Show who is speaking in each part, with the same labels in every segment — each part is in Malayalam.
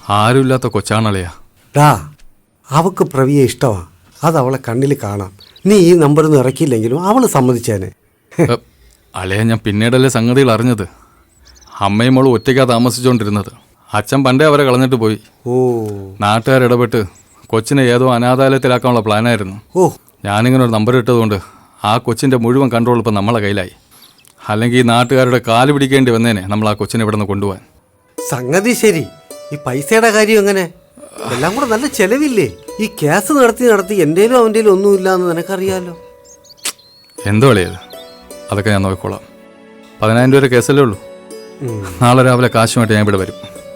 Speaker 1: ആരുമില്ലാത്ത കൊച്ചാണളിയാ.
Speaker 2: ഡാ, അവക്ക് പ്രവിയെ ഇഷ്ടമാണ്. അത് അവളെ കണ്ണിൽ കാണാം. നീ ഈ നമ്പറിൽ നിന്ന് ഇറക്കിയില്ലെങ്കിലും അവൾ സമ്മതിച്ചേനെ.
Speaker 1: അളിയ, ഞാൻ പിന്നീടല്ലേ സംഗതികൾ അറിഞ്ഞത്. അമ്മയും മോളും ഒറ്റയ്ക്കാ താമസിച്ചുകൊണ്ടിരുന്നത്. അച്ഛൻ പണ്ടേ അവരെ കളഞ്ഞിട്ട് പോയി.
Speaker 2: ഓ,
Speaker 1: നാട്ടുകാരിടപെട്ട് കൊച്ചിനെ ഏതോ അനാഥാലയത്തിലാക്കാനുള്ള പ്ലാനായിരുന്നു.
Speaker 2: ഓ,
Speaker 1: ഞാനിങ്ങനെ ഒരു നമ്പർ ഇട്ടതുകൊണ്ട് ആ കൊച്ചിൻ്റെ മുഴുവൻ കൺട്രോൾ ഇപ്പം നമ്മളെ കയ്യിലായി. അല്ലെങ്കിൽ ഈ നാട്ടുകാരുടെ കാല് പിടിക്കേണ്ടി വന്നേനെ നമ്മൾ ആ കൊച്ചിനെ ഇവിടെ നിന്ന് കൊണ്ടുപോകാൻ.
Speaker 2: സംഗതി ശരി. ഈ പൈസയുടെ കാര്യം എങ്ങനെ? എല്ലാം കൂടെ നല്ല ചെലവില്ലേ? ഈ കേസ് നടത്തി എൻ്റെയിലും അവൻ്റെയിലും ഒന്നുമില്ല എന്ന് നിനക്കറിയാലോ.
Speaker 1: എന്തോ അളിയത്, അതൊക്കെ ഞാൻ നോക്കിക്കോളാം. 10,000 രൂപ കേസല്ലേ ഉള്ളൂ. നാളെ രാവിലെ കാശുമായിട്ട് ഞാൻ ഇവിടെ വരും.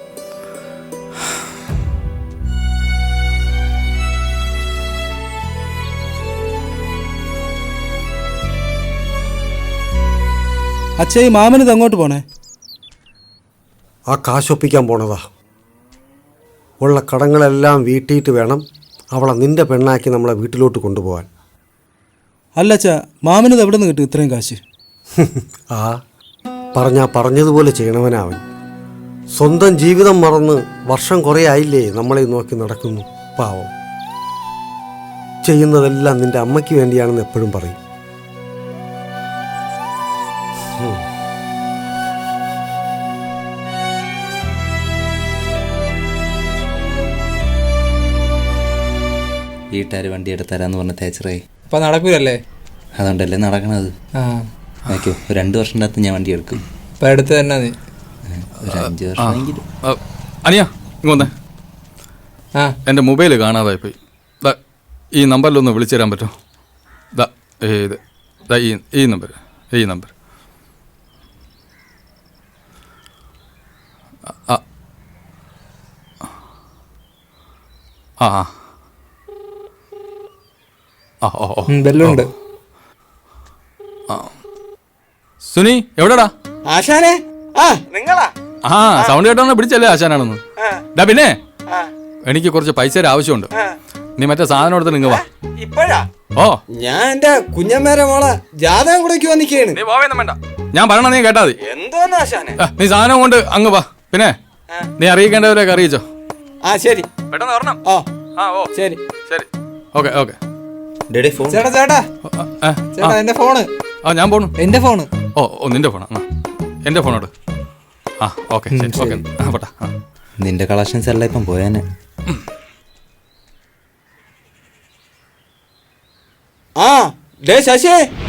Speaker 3: അച്ഛാ, ഈ മാമനിത് അങ്ങോട്ട് പോണേ?
Speaker 2: ആ കാശൊപ്പിക്കാൻ പോണതാ. ഉള്ള കടങ്ങളെല്ലാം വീട്ടിയിട്ട് വേണം അവളെ നിന്റെ പെണ്ണാക്കി നമ്മളെ വീട്ടിലോട്ട് കൊണ്ടുപോകാൻ.
Speaker 3: അല്ല അച്ഛാ, മാമനിത് എവിടെ നിന്ന് കിട്ടും ഇത്രയും കാശ്?
Speaker 2: ആ പറഞ്ഞതുപോലെ ചെയ്യണവനവൻ. സ്വന്തം ജീവിതം മറന്ന് വർഷം കുറേ ആയില്ലേ നമ്മളെ നോക്കി നടക്കുന്നു. പാവം. ചെയ്യുന്നതെല്ലാം നിന്റെ അമ്മയ്ക്ക് വേണ്ടിയാണെന്ന് എപ്പോഴും പറയും.
Speaker 4: വീട്ടുകാർ വണ്ടി എടുത്തരാന്ന് പറഞ്ഞ തേച്ചറായി.
Speaker 3: അപ്പൊ നടക്കൂലല്ലേ?
Speaker 4: അതുകൊണ്ടല്ലേ നടക്കണത്. നോക്കോ, 2 വർഷത്തിനകത്ത് ഞാൻ വണ്ടി എടുക്കും.
Speaker 3: ഇപ്പൊ എടുത്ത് തന്നെ നീ
Speaker 4: ഒരു 5 വർഷമെങ്കിലും.
Speaker 1: അനിയാ, ഇങ്ങോന്നേ. എൻ്റെ മൊബൈൽ കാണാതായി പോയി. ഈ നമ്പറിലൊന്ന് വിളിച്ചു തരാൻ പറ്റുമോ? ഈ നമ്പർ
Speaker 3: ബെല്ലുണ്ട്.
Speaker 1: സുനി, എവിടെടാ?
Speaker 3: ആശാനെ, നിങ്ങളാ?
Speaker 1: സൗണ്ട് കേട്ടോ പിടിച്ചല്ലേ ആശാനാണെന്ന്. പിന്നെ എനിക്ക് കുറച്ച് പൈസയുടെ ആവശ്യമുണ്ട്. നീ മറ്റേ സാധനം എടുത്ത് നിങ്ങൾ വാ.
Speaker 3: ഇപ്പോഴാ?
Speaker 1: ഓ,
Speaker 3: ഞാൻ എന്റെ കുഞ്ഞമ്മേരെ മോളെ ജാതകം കൂടെ വന്നിക്കാണ്.
Speaker 1: നീ പോവേന്നും വേണ്ട, ഞാൻ പറയണ നീ കേട്ടാ മതി.
Speaker 3: എന്തോന്ന് ആശാനെ?
Speaker 1: നീ സാധനം കൊണ്ട് അങ്ങ് വാ. പിന്നെ നീ അറിയിക്കേണ്ടവരൊക്കെ അറിയിച്ചോ.
Speaker 3: ശരി,
Speaker 1: പെട്ടെന്ന് വരണം. ഓ
Speaker 3: ശരി
Speaker 1: ശരി. ഓക്കെ.
Speaker 3: ചേട്ടാ ചേട്ടാ ചേട്ടാ, എന്റെ ഫോണ്.
Speaker 1: ഞാൻ പോണു.
Speaker 3: എന്റെ ഫോണ്.
Speaker 1: ഓ, നിന്റെ ഫോണാ? എന്റെ ഫോണോട്. ഓക്കെ ശരി. ഓക്കെ, പോട്ടാ.
Speaker 4: നിന്റെ കളക്ഷൻസ് എല്ലാം ഇപ്പം പോയാനെ.
Speaker 3: ശശി